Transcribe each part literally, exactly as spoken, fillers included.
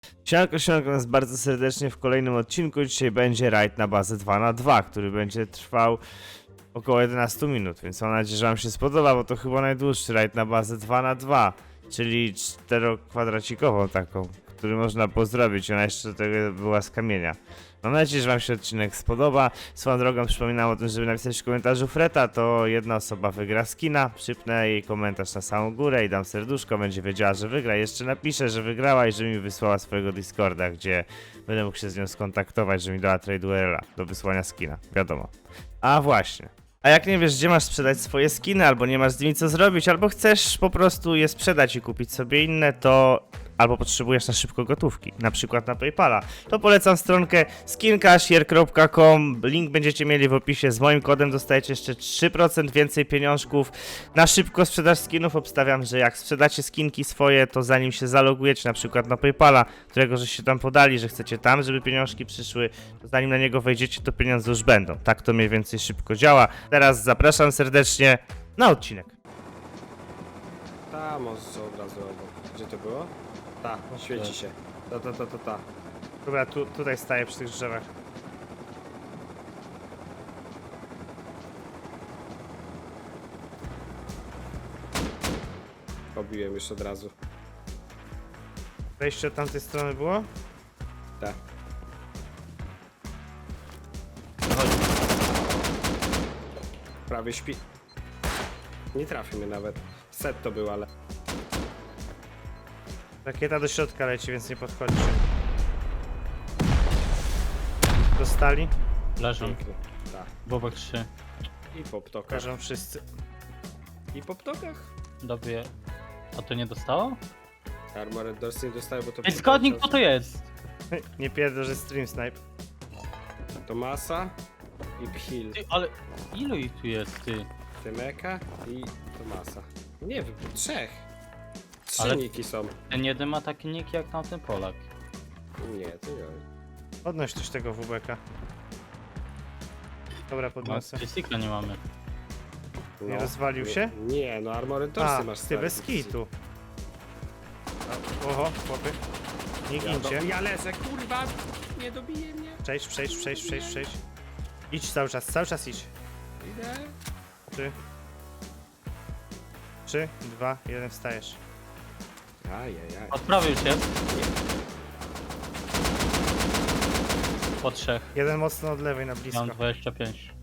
Siemanko, siemanko nas bardzo serdecznie w kolejnym odcinku. Dzisiaj będzie rajd na bazę dwa na dwa, który będzie trwał około jedenaście minut, więc mam nadzieję, że wam się spodoba, bo to chyba najdłuższy rajd na bazę dwa na dwa, czyli czterokwadracikową taką, który można pozdrowić. Ona jeszcze do tego była z kamienia. Mam nadzieję, że wam się odcinek spodoba. Swoją drogą przypominam o tym, żeby napisać w komentarzu Freta, to jedna osoba wygra skina. Przypnę jej komentarz na samą górę i dam serduszko, będzie wiedziała, że wygra. Jeszcze napiszę, że wygrała i że mi wysłała swojego Discorda, gdzie będę mógł się z nią skontaktować, że mi dała trade U R L-a do wysłania skina. Wiadomo. A właśnie. A jak nie wiesz, gdzie masz sprzedać swoje skiny, albo nie masz z nimi co zrobić, albo chcesz po prostu je sprzedać i kupić sobie inne, to albo potrzebujesz na szybko gotówki, na przykład na PayPala, to polecam stronkę skincashier kropka com. Link będziecie mieli w opisie. Z moim kodem dostajecie jeszcze trzy procent więcej pieniążków na szybko sprzedaż skinów. Obstawiam, że jak sprzedacie skinki swoje, to zanim się zalogujecie na przykład na PayPala, którego żeście tam podali, że chcecie tam, żeby pieniążki przyszły, to zanim na niego wejdziecie, to pieniądze już będą. Tak to mniej więcej szybko działa. Teraz zapraszam serdecznie na odcinek. Ta, może od razu obok. Gdzie to było? Ta, świeci się. Ta, ta, ta, ta, ta. Dobra, tu, tutaj staję przy tych drzewach. Pobiłem już od razu. Wejście od tamtej strony było? Ta. Prawie śpi. Nie trafi mnie nawet. Set to był, ale... Rakieta do środka leci, więc nie podchodźcie. Dostali? Leżą. Pięknie. Ta. Bobek trzy. I po ptokach. Każą wszyscy. I po ptokach? Dobie. A to nie dostało? Armored Doors nie dostaje, bo to... Ej, zgodnik, kto to jest? Nie pierdol, że stream snipe. To Masa i Pchil. Ty, ale ilu ich tu jest, ty? Tymeka i to Masa. Nie wiem, trzech. Trzy Ale- niki są. Ten jeden ma taki nick jak tamten Polak. Nie, to nie. Podnoś coś tego W B K. Dobra, No, podniosę. Tricykla nie mamy. Nie rozwalił się? Nie, no Armored Dorsy A, masz ty stary. bez kitu. A, Oho, chłopy. Nie Ja, gincie. do... ja leżę, kurwa! Nie dobije mnie. Przejdź, przejdź, przejdź, przejdź, przejdź. Idź cały czas, cały czas idź. Idę. Trzy. Trzy, dwa, jeden, wstajesz. Ajajaj. Odprawił się. Po trzech. Jeden mocno od lewej na blisko. Mam dwadzieścia pięć.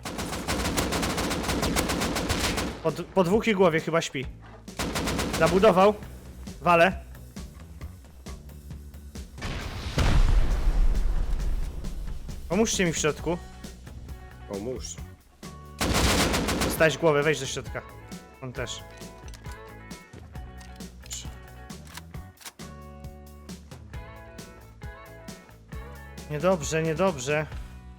Po, d- po dwóch i głowie chyba śpi. Zabudował. Wale. Pomóżcie mi w środku. Pomóż. Dostałeś głowę, wejdź do środka. On też. Niedobrze, niedobrze.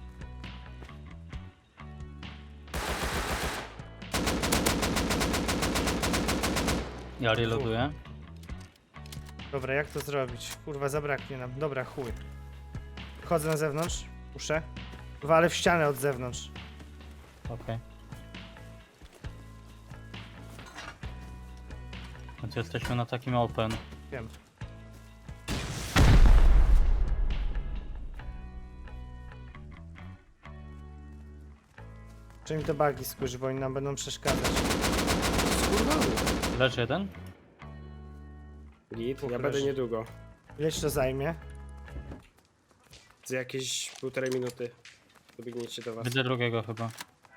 Ja reloaduję. Dobra, jak to zrobić? Kurwa, zabraknie nam. Dobra, chuj. Chodzę na zewnątrz. Muszę. Walę w ścianę od zewnątrz. Okej. Więc jesteśmy na takim open. Wiem. Czy mi to bugi skurczy, bo oni nam będą przeszkadzać. Skurwany. Leży jeden? Git, Dwóch ja leży. będę niedługo. Ileś to zajmie? Za jakieś półtorej minuty dobiegniecie do was. Widzę drugiego chyba.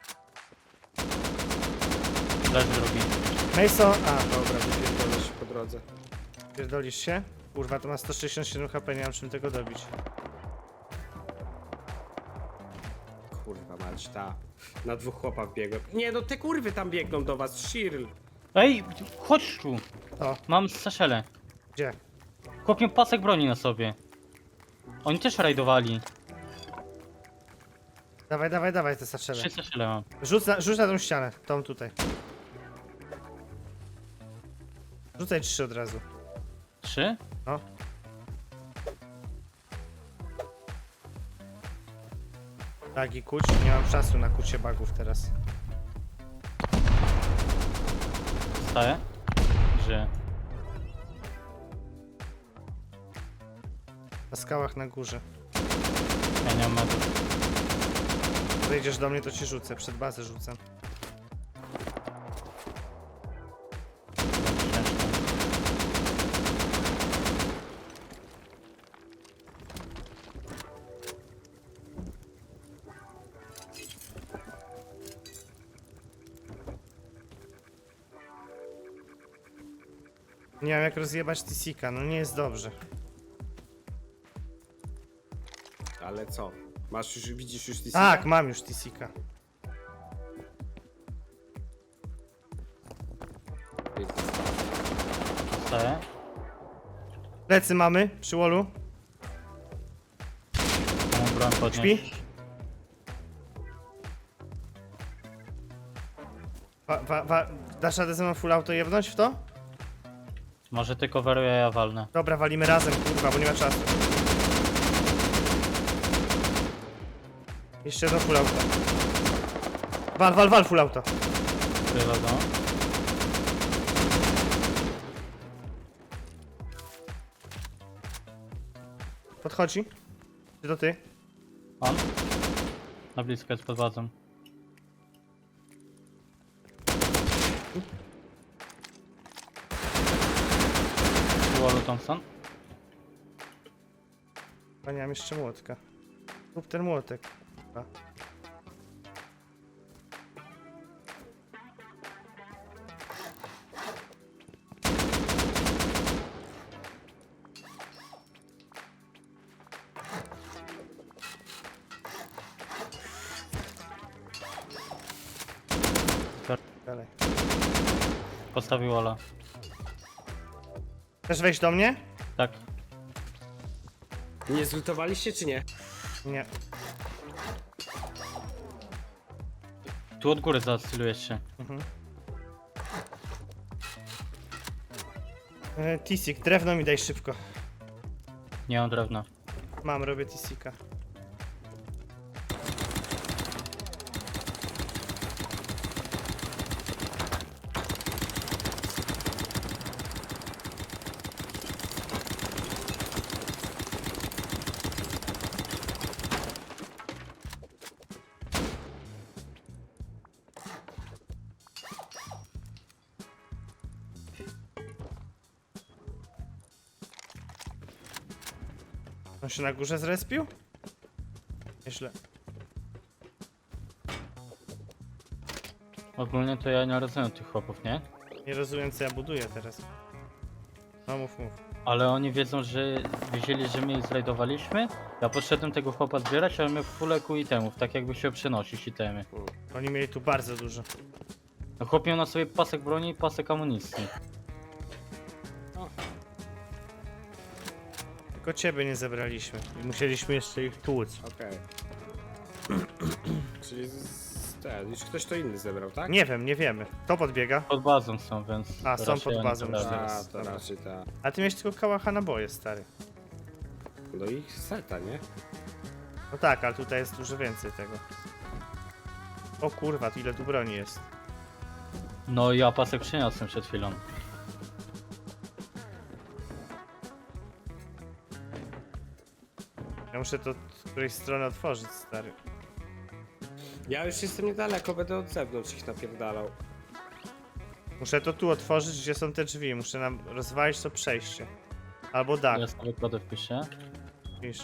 Leży drugi. Mason, a, Dobra, wypierdolę się po drodze. pierdolisz się? Kurwa, to ma sto sześćdziesiąt siedem H P, nie mam czym tego dobić. Kurwa mać, ta. Na dwóch chłopa biegłem. Nie no, te kurwy tam biegną do was, Shirl. Ej, chodź tu! O, Mam saszelę. gdzie? Chłop miał pasek broni na sobie. Oni też rajdowali. Dawaj, dawaj, dawaj te saczele. Trzy saszele mam. Rzuć na, rzuć na tą ścianę, tą tutaj. Rzucaj trzy od razu. Trzy? No. Bagi kuć, nie mam czasu na kucie bagów teraz. Staję? Że Na skałach na górze. Ja nie mam medów. Wejdziesz do mnie, to ci rzucę. Przed bazę rzucę. Nie wiem jak rozjebać Tisika, no nie jest dobrze. Ale co? Masz już, widzisz już T C? Tak, mam już Tisika. Dostaję. Plecy mamy, przy wallu. Mam broń podnieść. Śpi? Wa, wa, wa, dasz radę ze mną full auto jebnąć w to? Może ty coveruję, ja walnę. Dobra, walimy razem, kurwa, bo nie ma czasu. Jeszcze jedno full auto. Wal, wal, wal full auto. Chyba go. Podchodzi. Czy to ty? On? Na blisko jest pod bazą. Wallu Thompson. A nie mam jeszcze młotka. Rób ten młotek. Kurwa. Dalej. Postawił Ola. Chcesz wejść do mnie? Tak. Nie zlutowaliście czy nie? Nie. Tu od góry zaacylujesz się. E, Tisik, drewno mi daj szybko. Nie mam drewna. Mam, robię Tisika. On się na górze zrespił? Nieźle. Ogólnie to ja nie rozumiem tych chłopów, nie? Nie rozumiem co ja buduję teraz. No mów, mów. Ale oni wiedzą, że wiedzieli, że my ich zrajdowaliśmy. Ja podszedłem tego chłopa zbierać, ale my w fuleku itemów, tak jakby się przenosić itemy. Oni mieli tu bardzo dużo. No chłop miał na sobie pasek broni i pasek amunicji. Tylko ciebie nie zebraliśmy. I musieliśmy jeszcze ich tłuc. Okej. Czyli z, ten, już ktoś to inny zebrał, tak? Nie wiem, nie wiemy. Kto podbiega? Pod bazą są, więc... A, są raczej pod oni bazą to już robią. teraz. A, to Dobra. raczej ta. A ty miałeś tylko kałacha naboje, stary. No i seta, nie? No tak, ale tutaj jest dużo więcej tego. O kurwa, tu ile tu broni jest. No ja pasek przyniosłem przed chwilą. Ja muszę to z którejś strony otworzyć, stary. Ja już jestem niedaleko, będę od zewnątrz ich napierdalał. Muszę to tu otworzyć, gdzie są te drzwi. Muszę nam rozwalić to przejście. Albo dach, Ja sobie kodę wpiszę. wiesz.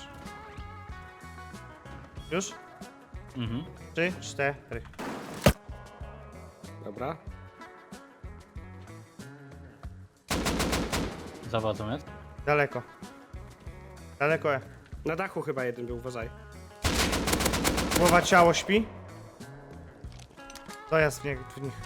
Już? Mhm. Trzy, cztery. Dobra? Za bazą jest. Daleko. Daleko. e. Na dachu chyba jeden był, uważaj. Głowa, ciało śpi. Dojazd w nich. W nich.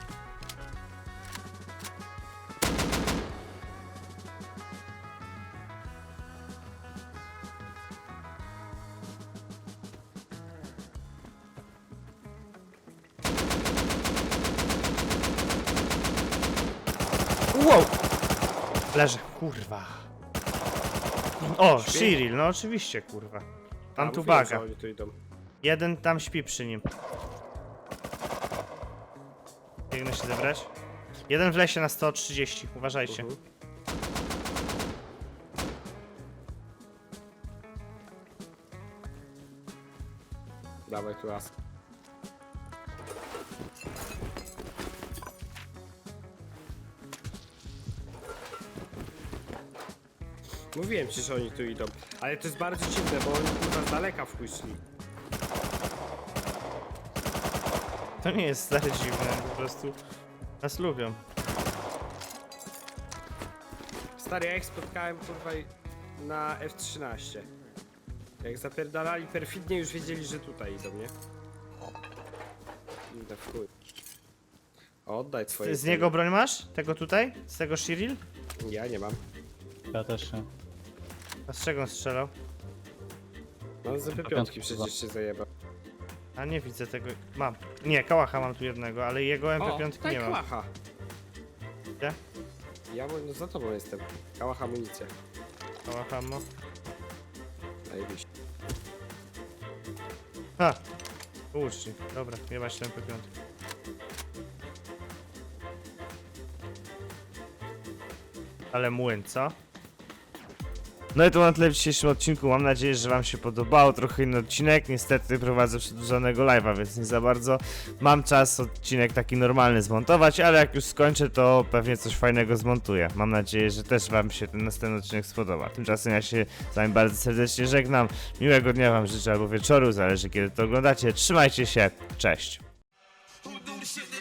Wow! Leży, kurwa. O, Śpi? Shiril, no oczywiście, kurwa. Tam A, tu mówiłem, baga. że oni tu idą. Jeden tam śpi przy nim. Biegnę się zebrać. Jeden w lesie na sto trzydzieści, uważajcie. Mhm. Dawaj tu raz. Mówiłem ci, że oni tu idą. Ale to jest bardzo dziwne, bo oni kurwa z daleka w chuj szli. To nie jest stare dziwne, po prostu nas lubią. Stary, ja ich spotkałem kurwa na F trzynaście. Jak zapierdalali perfidnie, już wiedzieli, że tutaj idą, nie? Idę w chuj. Oddaj twoje... Z niego broń masz? Tego tutaj? Z tego Shiril? Ja nie mam. Ja też nie. A z czego on strzelał? No z P pięć przecież się zajebał. A nie widzę tego. Mam. Nie, kałacha mam tu jednego, ale jego M P O, pięć tutaj nie mam. kałacha. Gdzie? Ja no za tobą jestem. Kałacha amunicja. Kałacha ma. Zajebiście. Ha! Łucznik. Dobra, nie masz M P pięć. Ale młyn, co? No i to na tyle w dzisiejszym odcinku. Mam nadzieję, że wam się podobało. Trochę inny odcinek. Niestety prowadzę przedłużonego live'a, więc nie za bardzo mam czas odcinek taki normalny zmontować, ale jak już skończę, to pewnie coś fajnego zmontuję. Mam nadzieję, że też wam się ten następny odcinek spodoba. Tymczasem ja się z wami bardzo serdecznie żegnam. Miłego dnia wam życzę albo wieczoru, zależy kiedy to oglądacie. Trzymajcie się. Cześć. Who do the shit that